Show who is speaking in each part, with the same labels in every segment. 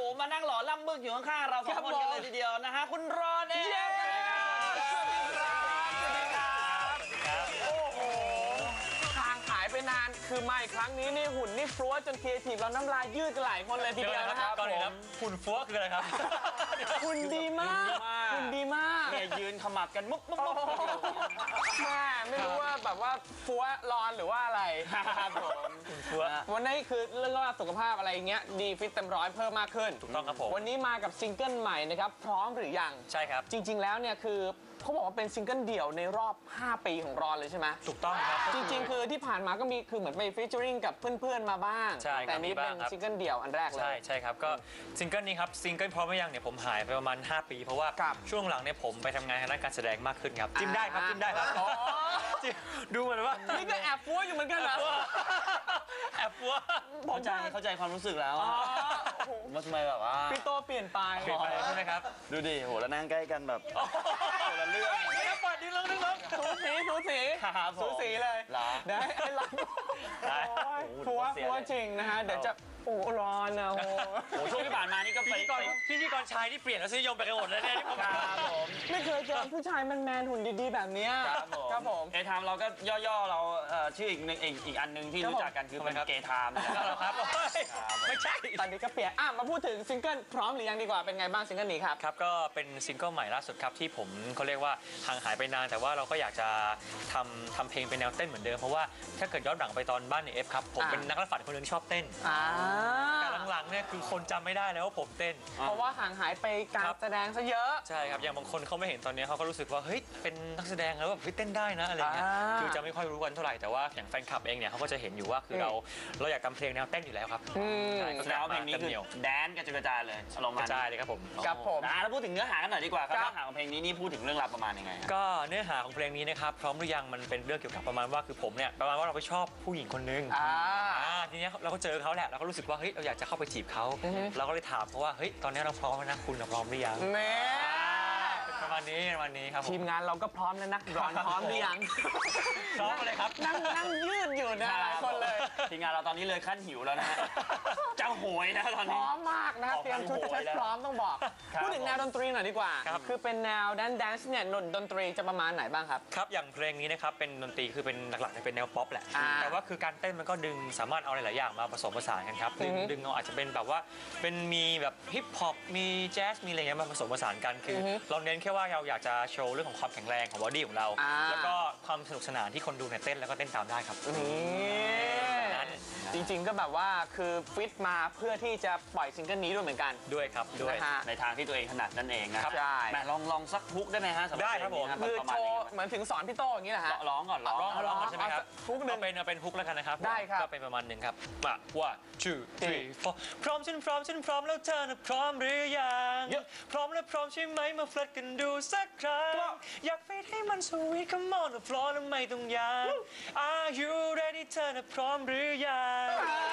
Speaker 1: มานั่งหล่อล่ำบึกอยู่ข้างๆเราสองคนกันเลยทีเดียวนะฮะคุณรอนเองสวัสดีครับ
Speaker 2: โอ้โหห่างหายไปนานคือมาอีกครั้งนี้นี่หุ่นนี่ฟลัวจนครีเอทีฟเราน้ำลายยืดกันหลายคนเลยทีเดียวนะครับ
Speaker 3: ก่อนอื่นครับหุ่นฟัวคืออะไรครับ
Speaker 2: หุ่นดีมากหุ่นดีมาก
Speaker 1: เนี่ยยืนขมับกันมุก
Speaker 2: แม่ไม่รู้ว่าแบบว่าฟัวร้อนหรือว่าอะไร
Speaker 1: ครับผม
Speaker 3: ฟัว
Speaker 2: วันนี้คือเรื่องสุขภาพอะไรเงี้ยดีฟิตเต็มร้อยเพิ่มมากขึ้น
Speaker 3: ถูกต้องครับผม
Speaker 2: วันนี้มากับซิงเกิลใหม่นะครับพร้อมหรือยัง
Speaker 3: ใช่ครับ
Speaker 2: จริงๆแล้วเนี่ยคือเขาบอกว่าเป็นซิงเกิลเดี่ยวในรอบ5 ปีของรอนเลยใช่ไหม
Speaker 3: ถูกต้องครับ
Speaker 2: จริงๆคือที่ผ่านมาก็มีคือเหมือนไปฟีเจอริงกับเพื่อนๆมาบ้างแต่นี้เป็นซิงเกิลเดี่ยวอันแรกเลย
Speaker 3: ใช่ครับก็ซิงเกิลนี้ครับซิงเกิลพร้อมหรือยังเนี่ยผมหายไปประมาณ5 ปีเพราะว่าช่วงหลังเนี่ยผมไปทำงานทางด้านการแสดงมากขึ้นครับจิ้มได้ครับดูเหมือนว่า
Speaker 2: นี่ก็แอบฟัวอยู่เหมือนกันนะ
Speaker 3: แอบฟัว
Speaker 1: เข้าใจความรู้สึกแล้วว่าทำไมแบบว่า
Speaker 2: พี่โตเปลี่ยนไป
Speaker 3: ใช่ไหมครับ
Speaker 1: ดูดิโหแล้วนั่งใกล้กันแบบคนละเรื่อง
Speaker 3: นี่เปิดดิ้งลึก
Speaker 2: สูสีเลยได้ไอ้ฟัวจริงนะฮะเดี๋ยวจะโอ้ร้อนนะโอ้
Speaker 1: ช่วงที่ผ่านมานี่ก็ไป
Speaker 3: พิธีกรชายที่เปลี่ยนแล้วนิยมไปกันหมดเลยเนี่ยที่ผม
Speaker 2: ไม่เคยเจอผู้ชายแมนหุ่นดีๆแบบนี้ครับผม
Speaker 1: เอทามเราก็ย่อๆเราชื่ออีกอันนึงที่รู้จักกันคือเป็นเกทาม
Speaker 3: นะครับไม่ใช่
Speaker 2: ตอนนี้ก็เปลี่ยนมาพูดถึงซิงเกิลพร้อมหรือยังดีกว่าเป็นไงบ้างซิงเกิลนี้ครับ
Speaker 3: ครับก็เป็นซิงเกิลใหม่ล่าสุดครับที่ผมเขาเรียกว่าห่างหายไปนานแต่ว่าเราก็อยากจะทำเพลงเป็นแนวเต้นเหมือนเดิมเพราะว่าถ้าเกิดย้อนหลังไปตอนบ้านในเอฟครับผมเป็นนักฝันคนหนึ่งชอบเต้นแต่หลังๆเนี่ยคือคนจำไม่ได้แล้วว่าผมเต้น
Speaker 2: เพราะว่าห่างหายไปการแสดงซะเยอะ
Speaker 3: ใช่ครับอย่างบางคนเขาไม่เห็นตอนนี้เขาก็รู้สึกว่าเฮ้ยเป็นนักแสดงแล้วแบบเต้นได้นะอะไรเงี้ยคือจะไม่ค่อยรู้กันเท่าไหร่แต่ว่าอย่างแฟนคลับเองเนี่ยเขาก็จะเห็นอยู่ว่าคือเราอยากทำเพลงแนวเต้นอยู่แล้วครับ
Speaker 1: ใช่แล้วเพลงนี้คือแดนกระจายเลย
Speaker 3: ลงมากระจายเลยครับผม
Speaker 1: แล้วพูดถึงเนื้อหากันหน่อยดีกว่าครับเนื้อหาของเพลงนี้นี่พูดถึงเรื่องราวประมาณยังไง
Speaker 3: ก็เนื้อหาของเพลงนี้นะครับพร้อมหรือยังมันเป็นเรื่องเกี่ยวกับประมาณว่าคือผมเนี่ยประมาณว่าเราไปชอบผู้หญิงคนนึงทีนี้เราก็เจอเขาแหละเราก็รู้สึกว่าเฮ้ยเราอยากจะเข้าไปจีบเขาเราก็เลยถามเพราะว่าเฮ้ยตอนนี้เราพร้อมนะคุณพร้อมหรือยังประมาณนี้ครับ
Speaker 2: ทีมงานเราก็พร้อมแล้วนะรอนพร้อมหรือยัง
Speaker 3: พร้อมเลยครับ
Speaker 2: นั่งยืดอยู่นะหลายคนเลย
Speaker 1: ทีมงานเราตอนนี้เลยขั้นหิวแล้วนะเจ้าโหยนะตอนนี้
Speaker 2: พร้อมมากนะเตรียมชุดจะใช้พร้อมต้องบอกพูดถึงแนวดนตรีหน่อยดีกว่าคือเป็นแนวแดนซ์เนี่ยดนตรีจะประมาณไหนบ้างครับ
Speaker 3: ครับอย่างเพลงนี้นะครับเป็นดนตรีคือเป็นหลักๆเป็นแนวป๊อปแหละแต่ว่าคือการเต้นมันก็ดึงสามารถเอาหลายๆอย่างมาผสมผสานกันครับดึงเอาอาจจะเป็นแบบว่าเป็นมีแบบฮิปฮอปมีแจ๊สมีอะไรเงี้ยมาผสมผสานกันคือเราเน้นแค่ว่าเราอยากจะโชว์เรื่องของความแข็งแรงของบอดี้ของเราแล้วก็ความสนุกสนานที่คนดูเนี่ยเต้นแล้วก็เต้นตามได้ครับ
Speaker 2: จริงๆก็แบบว่าคือฟิตมาเพื่อที่จะปล่อยซิงเกิลนี้ด้วยเหมือนกัน
Speaker 3: ด้วยครับด้วย
Speaker 1: ในทางที่ตัวเองถนัดนั่นเองนะครับ
Speaker 2: ใช่
Speaker 1: ลองสักฮุกได้ไหมฮะ
Speaker 3: ได้ครับผม
Speaker 2: คือโชว์เหมือนถึงสอนพี่โตอย่างนี้แหละฮะ
Speaker 1: ร้องก่อนร้อง
Speaker 3: ใช่ไหมครับ
Speaker 2: ฮุกหนึ่ง
Speaker 3: เป็นฮุกแล้วกันนะครับ
Speaker 2: ได้ครับ
Speaker 3: ก็เป็นประมาณหนึ่งครับมาว่า2 3 4พร้อมฉันพร้อมแล้วเธอน่ะพร้อมหรือยังพร้อมและพร้อมใช่ไหมมาเฟลดกันดูสักครั้งอยากไปให้มันสวีท come on the floor แล้วไม่ต้องยาก Are you ready เธอน่ะพร้อมหรือยัง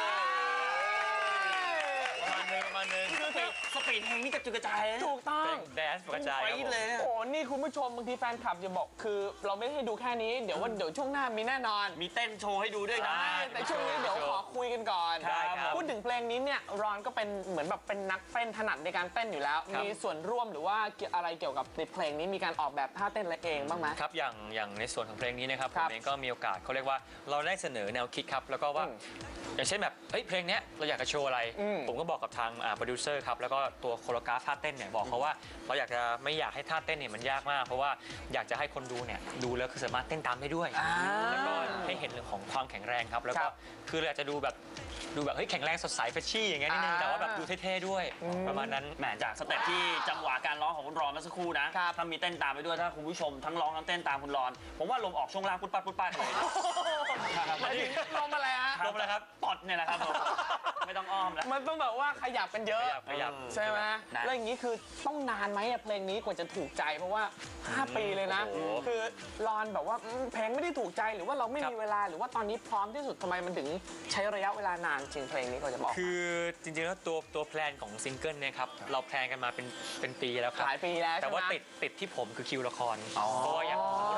Speaker 3: ประมาณนึง
Speaker 1: สปีดเพลงนี่กระจุยกระจาย
Speaker 2: ถูกต้อง
Speaker 3: แดนซ์กระจาย
Speaker 1: เลย
Speaker 2: โอ้นี่คุณผู้ชมบางทีแฟนคลับจะบอกคือเราไม่ให้ดูแค่นี้เดี๋ยวช่วงหน้ามีแน่นอน
Speaker 1: มีเต้นโชว์ให้ดูด้วยนะ
Speaker 2: แต่ช่วงนี้เดี๋ยวขอคุยกันก่อนพูดถึงเพลงนี้เนี่ยรอนก็เป็นเหมือนแบบเป็นนักเต้นถนัดในการเต้นอยู่แล้วมีส่วนร่วมหรือว่าอะไรเกี่ยวกับในเพลงนี้มีการออกแบบท่าเต้นอะไรเองบ้างไหม
Speaker 3: ครับอย่างในส่วนของเพลงนี้นะครับผมเองก็มีโอกาสเขาเรียกว่าเราได้เสนอแนวคิดครับแล้วก็ว่าอย่างเช่นแบบเพลงนี้เราอยากจะโชว์อะไรผมก็บอกกับทางโปรดิวเซอร์ครับแล้วก็ตัวโคโรกราฟท่าเต้นเนี่ยบอกเขาว่าเราไม่อยากให้ท่าเต้นเนี่ยมันยากมากเพราะว่าอยากจะให้คนดูเนี่ยดูแล้วคือสามารถเต้นตามได้ด้วยแล้วก็ให้เห็นเรื่องของความแข็งแรงครับแล้วก็คือเราจะดูแบบเฮ้ยแข็งแรงสดใสเฟชชี่อย่างเงี้ยนิดนึงแต่ว่าแบบดูเท่ๆด้วยประมาณนั้น
Speaker 1: แหมจากสเต็ปที่จังหวะการร้องของคุณรอนเมื่อสักครู่นะถ้ามีเต้นตามไปด้วยถ้าคุณผู้ชมทั้งร้องทั้งเต้นตามคุณรอนผมว่าลมออกช่วงล่างปุ๊บปั๊ดเลย
Speaker 2: ลมอะไรฮะ
Speaker 3: ลมอะไรครับ
Speaker 1: ปอดเนี่ยแหละครับไม่ต้องอ้อมแล้ว
Speaker 2: มันต้องแบบว่าขยับกันเยอะ
Speaker 3: ขยับ
Speaker 2: ใช่ไหมแล้วอย่างนี้คือต้องนานไหมเพลงนี้กว่าจะถูกใจเพราะว่า5 ปีเลยนะคือรอนแบบว่าเพลงไม่ได้ถูกใจหรือว่าเราไม่มีเวลาหรือว่าตอนนี้พร้อมที่สุดทำไมมันถึงใช้ระยะเวลานานจริงเพลงนี้ก็จะบอก
Speaker 3: คือจริงๆแล้วตัวแพลนของซิงเกิลเนี่ยครับเราแพลนกันมาเป็นปีแล้วครับ
Speaker 2: หลายปีแล้ว
Speaker 3: แต่ว่าติดที่ผมคือคิวละครเพราะว่าอย่างถ้าเกิดถ่ายละ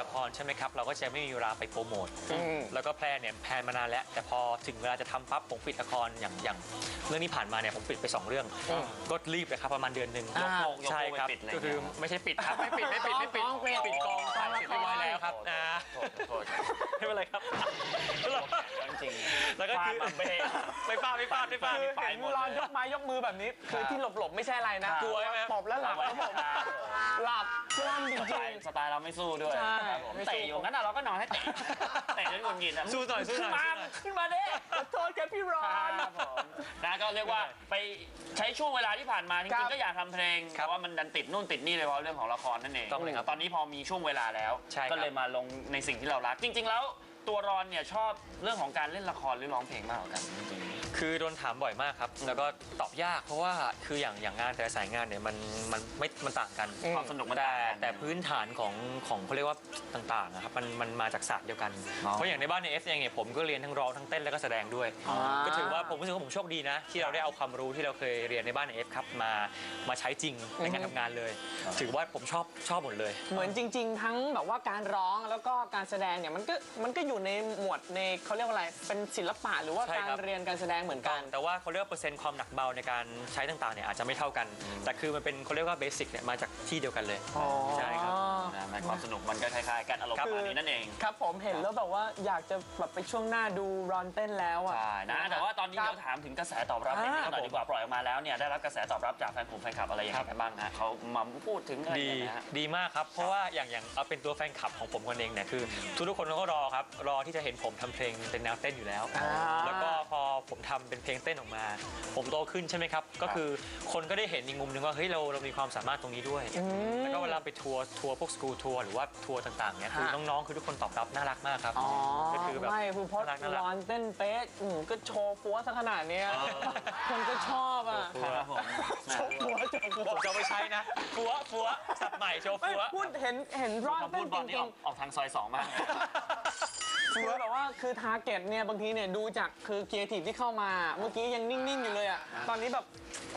Speaker 3: ละครใช่ไหมครับเราก็จะไม่มีเวลาไปโปรโมทแล้วก็แพลนเนี่ยแพลนมานานแล้วแต่พอถึงเวลาจะทำปั๊บผมปิดละครอย่างเรื่องที่ผ่านมาเนี่ยผมปิดไป2 เรื่องก็รีบเลยครับประมาณเดือนหนึ่งใช่ครับก็คือไม่ใช่ปิดครับไม่ปิดปิดกองเสร็จเรียบร้อยแล้วครับไม่เป็นไรครับ
Speaker 1: จริง
Speaker 3: แล้วก็คือไม่ฟาด
Speaker 2: เห็นรอนยกไม้ยกมือแบบนี้คือที่หลบไม่ใช่อะไรนะ
Speaker 3: กลัวใช่ไหม
Speaker 2: ตบแล้วหลับครับผมหลับคล่ำจริง
Speaker 1: สไตล์เราไม่สู้ด้วยเตะอยู่งั้นเราก็นอนให้เตะจนหงุดหงิด
Speaker 3: สู้หน่อย
Speaker 1: ขึ้นมาดิ
Speaker 2: ขอโทษแกพี่รอน
Speaker 1: นะก็เรียกว่าไปใช้ช่วงเวลาที่ผ่านมาจริงๆก็อยากทำเพลงแต่ว่ามันดันติดนู่นติดนี่เลยเพราะเรื่องของละครนั่นเองตอนนี้พอมีช่วงเวลาแล้วก็เลยมาลงในสิ่งที่เรารักจริงๆแล้วตัวรอนเนี่ยชอบเรื่องของการเล่นละครหรือร้องเพลงมากกว่ากันจริงๆ
Speaker 3: คือโดนถามบ่อยมากครับแล้วก็ตอบยากเพราะว่าคืออย่างงานแต่ละสายงานเนี่ยมันต่างกัน
Speaker 1: ความสนุกมัน
Speaker 3: แต่พื้นฐานของเขาเรียกว่าต่างๆครับมันมาจากศาสตร์เดียวกันเพราะอย่างในบ้านในเอฟเองเนี่ยผมก็เรียนทั้งร้องทั้งเต้นแล้วก็แสดงด้วยก็ถือว่าผมรู้สึกว่าผมโชคดีนะที่เราได้เอาความรู้ที่เราเคยเรียนในบ้านในเอฟครับมาใช้จริงในการทำงานเลยถือว่าผมชอบหมดเลย
Speaker 2: เหมือนจริงๆทั้งแบบว่าการร้องแล้วก็การแสดงเนี่ยมันก็อยู่ในหมวดในเขาเรียกว่าอะไรเป็นศิลปะหรือว่าการเรียนการแสดงเหมือนกัน
Speaker 3: แต่ว่าเขาเรียกว่าเปอร์เซ็นต์ความหนักเบาในการใช้ต่างๆเนี่ยอาจจะไม่เท่ากันแต่คือมันเป็นเขาเรียกว่าเบสิกเนี่ยมาจากที่เดียวกันเลยใช่ครับ
Speaker 1: ความสนุกมันก็คล้ายๆกันอารมณ์ประมาณนี้นั่นเอง
Speaker 2: ครับผมเห็นแล้วแบบว่าอยากจะแบบไปช่วงหน้าดูรอนเต้นแล้วอ่ะ
Speaker 1: ใช่นะแต่ว่าตอนนี้เดี๋ยวถามถึงกระแสตอบรับนิดนึงหน่อยดีกว่าปล่อยออกมาแล้วเนี่ยได้รับกระแสตอบรับจากแฟนคลับอะไรอย่างไรบ้างฮะเขามาพูดถึงอะไร
Speaker 3: ดีมากครับเพราะว่าอย่างเอาเป็นตัวแฟนคลับของผมคนเองเนี่ยคือทุกคนก็รอครับรอที่จะเห็นผมทำเพลงเป็นแนวเต้นอยู่แล้วแล้วก็พอผมทำเป็นเพลงเต้นออกมาผมโตขึ้นใช่ไหมครับก็คือคนก็ได้เห็นอีกมุมหนึ่งว่าเฮ้ยเรามีความสามารถตรงนี้ด้วยแล้วก็เวลาไปทัวร์พวกสกูลทัวร์หรือว่าทัวร์ต่างๆเนี่ยคือน้องๆคือทุกคนตอบรับน่ารักมากครับ
Speaker 2: ก็คือแบบไม่คือเพราะรอนเต้นเป๊ะก็โชว์ฟัวซะขนาดนี้คนก็ชอบอ่ะโชว์ฟัว
Speaker 3: ผมจะไม่ใช้นะฟัวสับใหม่โชว์ฟัว
Speaker 2: พูดเห็นรอนเต้นจริง
Speaker 1: ๆออกทางซอย2มาก
Speaker 2: คือแบบว่าคือทาร์เก็ตเนี่ยบางทีเนี่ยดูจากคือครีเอทีฟที่เข้ามาเมื่อกี้ยังนิ่งๆอยู่เลยอ่ะตอนนี้แบบ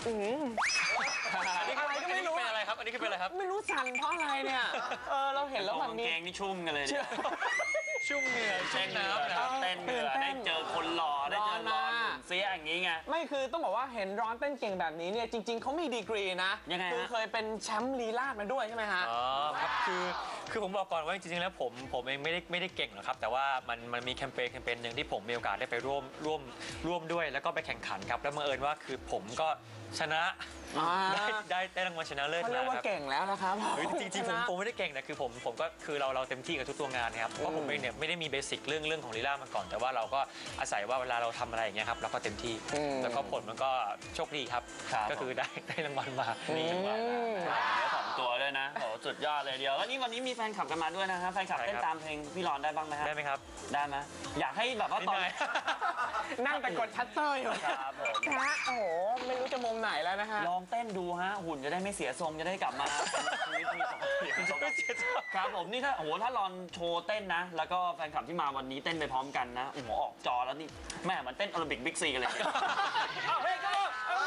Speaker 2: อะไรก็ไม่รู้
Speaker 3: เป็นอะไรครับอันนี้คือเป็นอะไรครับ
Speaker 2: ไม่รู้สั่นเพราะอะไรเนี่ยเราเห็นแล้วแบบ
Speaker 1: นี้แกงนี่ชุ่มกันเลย
Speaker 3: ชุ่มเหงื่อชุ่มน้ำ
Speaker 1: เต้นเหงื่อได้เจอคนหล่อได้เจอร้อนเสียอย่างนี้ไง
Speaker 2: ไม่คือต้องบอกว่าเห็นร้อนเต้นเก่งแบบนี้เนี่ยจริงๆเขามีดีกรีนะคือเคยเป็นแชมป์ลีลาศมาด้วยใช่ไหมฮะ
Speaker 3: อ๋อครับคือผมบอกก่อนว่าจริงๆแล้วผมเองไม่ได้เก่งหรอกครับแต่ว่ามันมีแคมเปญหนึ่งที่ผมมีโอกาสได้ไปร่วมด้วยแล้วก็ไปแข่งขันครับแล้วบังเอิญว่าคือผมก็ชนะได้รางวัลชนะเลิศมา
Speaker 2: เขาเรียกว่าเก่งแล้วนะครับ
Speaker 3: จริงๆผมไม่ได้เก่งนะคือผมก็คือเราเต็มที่กับทุกตัวงานครับเพราะผมเองเนี่ยไม่ได้มีเบสิกเรื่องของลีลามาก่อนแต่ว่าเราก็อาศัยว่าเวลาเราทำอะไรอย่างเงี้ยครับเราก็เต็มที่แล้วก็ผลมันก็โชคดีครับก็คือได้รางวัลมา
Speaker 1: มีรางวัล2 ตัวด้วยนะโหสุดยอดเลยเดียวแล้วนี่วันนี้มีแฟนคลับกันมาด้วยนะครับแฟนคลับเต้นตามเพลงพี่รอนได้บ้างไหม
Speaker 3: ได้ไหมครับ
Speaker 1: ได้ไหมอยากให้แบบว่าตอน
Speaker 2: นั่งแต่กดชัตเตอร์อยู่
Speaker 1: ครับ
Speaker 2: โอ้โหไม่รู้จะมุมไหนแล้วนะฮะ
Speaker 1: ลองเต้นดูฮะหุ่นจะได้ไม่เสียทรงจะได้กลับมาชีวิตมีครับผมนี่ถ้ารอนโชว์เต้นนะแล้วก็แฟนคลับที่มาวันนี้เต้นไปพร้อมกันนะโอ้โหออกจอแล้วนี่แม่มันเต้นโอลิมปิกบิ๊กซีกันเลย
Speaker 2: เฮ้ยก็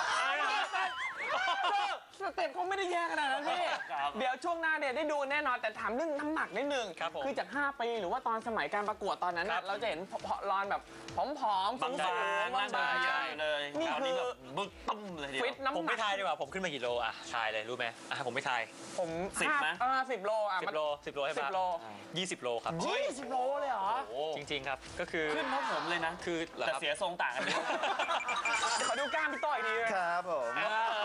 Speaker 2: สเต็ปเขาไม่ได้แย่ขนาดนั้นพี่เดี๋ยวช่วงหน้าเนี่ยได้ดูแน่นอนแต่ถามเรื่องน้ำหนักนิดนึงคือจาก5 ปีหรือว่าตอนสมัยการประกวดตอนนั้นเราจะเห็นรอนแบบผอมๆ
Speaker 1: บางร่างกายใหญ่เลย
Speaker 2: นี่คือ
Speaker 1: บึกตุ้มเลย
Speaker 2: ฟิตน้ำหนัก
Speaker 3: ผมไม่ทายดีกว่าผมขึ้นมากี่โลอ่ะทายเลยรู้ไหมผมไม่ทาย
Speaker 2: ผม10นะ10 โลอ่ะ
Speaker 3: 10 โลให้ป่ะ20 โลครับ
Speaker 2: 20 โลเลยเหรอ
Speaker 3: จริงๆครับก็คือ
Speaker 1: ขึ้นเพราะผมเลยนะ
Speaker 3: คือ
Speaker 1: แต่เสียทรงต่างกัน
Speaker 2: ขอดูกล้ามพี่ต้อยดี
Speaker 4: ครับผม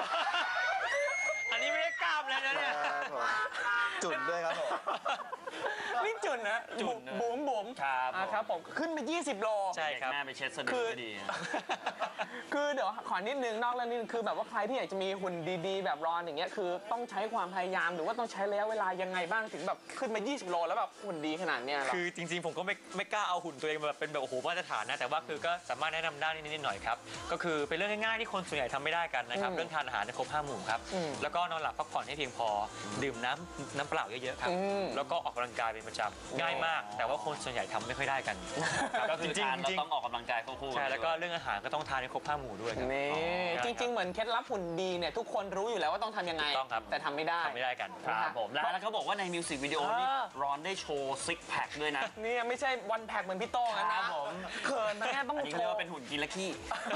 Speaker 3: อันนี้ไม่ได้กล้ามแล้วนะเนี่ย
Speaker 4: จุดด้วยครับผม
Speaker 2: นี่จุดนะบุ๋มครับผมขึ้นไป20 โล
Speaker 3: ใช่ครับ
Speaker 1: แม่ไปเช็ดสะดือดี
Speaker 2: คือเดี๋ยวขอนิดนึงนอกแล้วนี่คือแบบว่าใครที่อยากจะมีหุ่นดีๆแบบรอนอย่างเงี้ยคือต้องใช้ความพยายามหรือว่าต้องใช้ระยะเวลายังไงบ้างถึงแบบขึ้นมา20 โลแล้วแบบหุ่นดีขนาดเนี้ย
Speaker 3: คือจริงๆผมก็ไม่กล้าเอาหุ่นตัวเองแบบเป็นแบบโอ้โหมาตรฐานนะแต่ว่าคือก็สามารถแนะนำได้นิดหน่อยครับก็คือเป็นเรื่องง่ายๆที่คนส่วนใหญ่ทำไม่ได้กันนะครับเรื่องทานอาหารครบ5 หมู่ครับแล้วก็นอนหลับพักผ่อนให้เพียงพอดื่มน้ำเปล่าเยอะๆครับแล้วก็ออกกำลังกายเป็นประจำง่ายมากแต่ว่าคนส่วนใหญ่ทำไม่ค่อยได้กัน
Speaker 1: ก็คือทานเราต้องออกกำลังกายควบคู่
Speaker 3: ใช่แล้วก็เรื่องอาหารก็ต้องทานให้ครบ5 หมู่ด้วยครับ
Speaker 2: นี่จริง ๆ เหมือนเคล็ดลับหุ่นดีเนี่ยทุกคนรู้อยู่แล้วว่าต้องทำยังไง
Speaker 3: ต้องครับ
Speaker 2: แต่ทำไม่ได้
Speaker 3: ทำไม่ได้กัน
Speaker 1: ครับผมแล้วเขาบอกว่าในมิวสิกวิดีโอนี่รอนได้โชว์ซิกแพคด้วยนะ
Speaker 2: นี่ไม่ใช่วันแพ็กเหมือนพี่โต้ง
Speaker 1: ค
Speaker 2: นะ
Speaker 1: รับผม
Speaker 2: เขินนะเนี่ยต้อง
Speaker 1: อันนี้
Speaker 2: โช
Speaker 1: เขาเรียก
Speaker 2: ว์
Speaker 1: ว่าเป็นหุ่นกินและขี้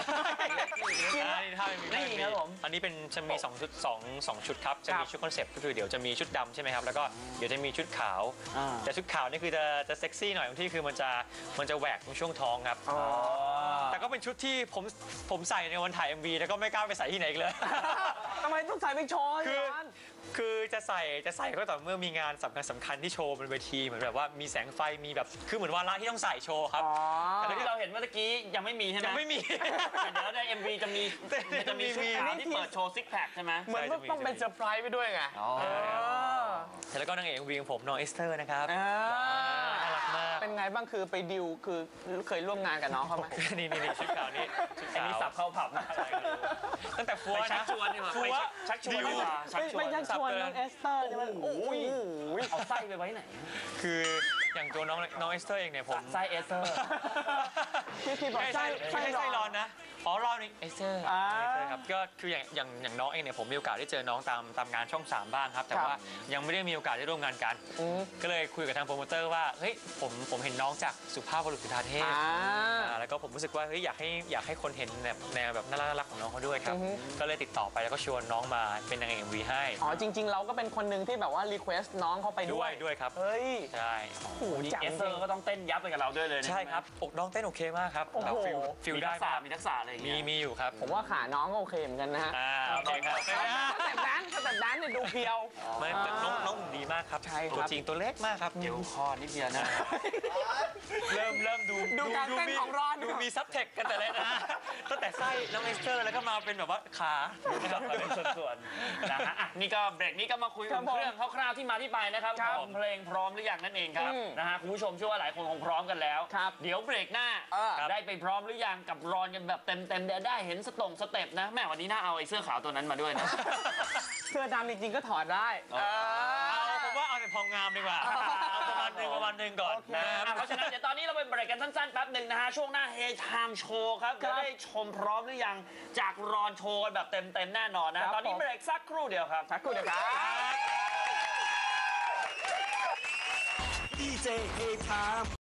Speaker 3: นี่ครับผมอันนี้เป็นจะมี2 ชุด2ชุดครับจะมีชุดคอนเซ็ปต์ก็คือเดี๋ยวจะมีชุดดำใช่ไหมครับแล้วก็เดี๋ยวจะมีชุดขาวแต่ชุดขาวนี่คือจะเซ็กซี่หน่อยบางที่คือมันจะแหวกตรงช่วงท้องครับแต่ก็เป็นชุดที่ผมใส่ในวันถ่าย MV แล้วก็ไม่กล้าไปใส่ที่ไหนอีกเลย
Speaker 2: ทำไมต้องใส่ไปโชว์ย้อน
Speaker 3: คือจะใส่ก็ต่อเมื่อมีงานสำคัญที่โชว์บนเวทีเหมือนแบบว่ามีแสงไฟมีแบบคือเหมือนวาระที่ต้องใส่โชว์ครับ
Speaker 1: แต่ที่เราเห็นเมื่อกี้ยังไม่มีใช่ไหม
Speaker 3: ยังไม่มี
Speaker 1: แต่เดี๋ยวใน MV จะมีชุดขาวที่เปิดโชว์ซิกแพคใช่ไหม
Speaker 2: เหมือนต้องเป็นเซอร์ไพรส์ไปด้วยไง
Speaker 3: แล้วก็นางเอก MV ของผมน้องเอสเตอร์นะครับน่ารักมาก
Speaker 2: เป็นไงบ้างคือไปดิวคือเคยร่วมงานกับน้องเขาไหม
Speaker 3: นี่ชุดขาวนี่ชุด
Speaker 1: อัน
Speaker 3: ขาว
Speaker 1: นี้สับเข้าผับนะ
Speaker 3: ตั้งแต่ฟัว
Speaker 1: ไปชั
Speaker 3: นะ
Speaker 1: กชวนดีกว่า
Speaker 3: ฟั
Speaker 1: ไป
Speaker 3: ว
Speaker 1: ชักชวนดีกว่าชักชว
Speaker 2: ไม่
Speaker 1: น
Speaker 2: ยักชวนน้องเอสเตอร์ใช่ไหมโอ้ย
Speaker 1: เอาไส้ไปไว้ไหน
Speaker 3: คืออย่างตัวน้องเอสเตอร์เองเนี่ยผม
Speaker 1: ไส้เอสเตอร์
Speaker 2: ที่บอกไส้
Speaker 3: ไม่ใช่ไส้ร้อนนะอ๋อร้อนนี่เอสเตอร์
Speaker 2: อ่า
Speaker 3: ครับก็คืออย่างน้องเองเนี่ยผมมีโอกาสได้เจอน้องตามงานช่อง 3บ้างครับแต่ว่ายังไม่ได้มีโอกาสได้ร่วมงานกันก็เลยคุยกับทางโปรโมเตอร์ว่าเฮ้ยผมเห็นน้องจากสุภาพบุรุษจุฑาเทพแล้วก็ผมรู้สึกว่าเฮ้ยอยากให้คนเห็นแบบแนวแบบน่ารักของน้องเขาด้วยครับก็เลยติดต่อไปแล้วก็ชวนน้องมาเป็นนางเอก MV ให้
Speaker 2: อ๋อจริง ๆ เราก็เป็นคนหนึ่งที่แบบว่ารีเควสน้องเขาไปด้วย
Speaker 3: ด้วยครับ
Speaker 2: เฮ้ย
Speaker 3: ใช่
Speaker 2: โอ้โห
Speaker 1: นี่
Speaker 2: จัง
Speaker 1: เอสเตอร์ก็ต้องเต้นยับไปกับเราด้วยเลยนะ
Speaker 3: ใช่ครับอกน้องเต้นโอเคมากครับ
Speaker 2: โอ้โห
Speaker 3: แบบฟิล
Speaker 1: มี
Speaker 3: ได้
Speaker 1: ทักษะ
Speaker 3: มาก
Speaker 1: มีทักษะอะไรอย่างเงี้ย
Speaker 3: มีอยู่ครับ
Speaker 2: ผมว่าขาน้องก็โอเคเหมือนกันนะฮะ
Speaker 3: โอเคครับ
Speaker 2: แต่แดนเนี่ยดูเพียว
Speaker 3: ไม่แต่น้องดีมากครับ
Speaker 2: ใช่ครับ
Speaker 3: ตัวจริงตัวเล็กมากครับ
Speaker 1: เดี๋ยวคอนิดเดียวนะ
Speaker 3: เริ่มดู
Speaker 2: ดูการเต้นของรอน
Speaker 3: ดูมีซับเทคกันแต่แรกนะตั้งแต่ไส้น้องเอสเตอร์แล้วก็มาเป็นแบบว่าขานะครับ
Speaker 1: เป็นส่วนๆนะฮะอ่ะนี่ก็เบรกนี้ก็มาคุย
Speaker 2: ครั
Speaker 1: ถึ
Speaker 2: บ
Speaker 1: งเรื่องคร่าวๆที่มาที่ไปนะครับ
Speaker 2: ครับ
Speaker 1: ของเพลงพร้อมหรือยังนั่นเองครับ
Speaker 2: อืม
Speaker 1: นะฮะคุณผู้ชมเชื่อว่าหลายคนคงพร้อมกันแล้ว
Speaker 2: ครับ
Speaker 1: เดี๋ยวเบรกหน้า ได้ไปพร้อมหรือยังกับรอนกันแบบเต็มๆเดี๋ยวได้เห็นสเต็ปนะแม่วันนี้น่าเอาไอ้เสื้อขาวตัวนั้นมาด้วยนะ
Speaker 2: เสื้อดำจริงๆก็ถอดได้
Speaker 3: ผมว่าเอาแต่พองามดีกว่าเอาประมาณหนึ่งก่อนนะ
Speaker 1: เพราะฉะนั้นเดี๋ยวตอนนี้เราไปเบรกกันสั้นๆแป๊บหนึ่งนะฮะช่วงหน้าเฮไทม์โชว์ครับจะได้ชมพร้อมหรือยังจากรอนโชว์กันแบบเต็มๆแน่นอนนะตอนนี้เบรกสักครู่เดียวครับ
Speaker 2: สักครู่เดียวครับ
Speaker 5: DJ Hey Time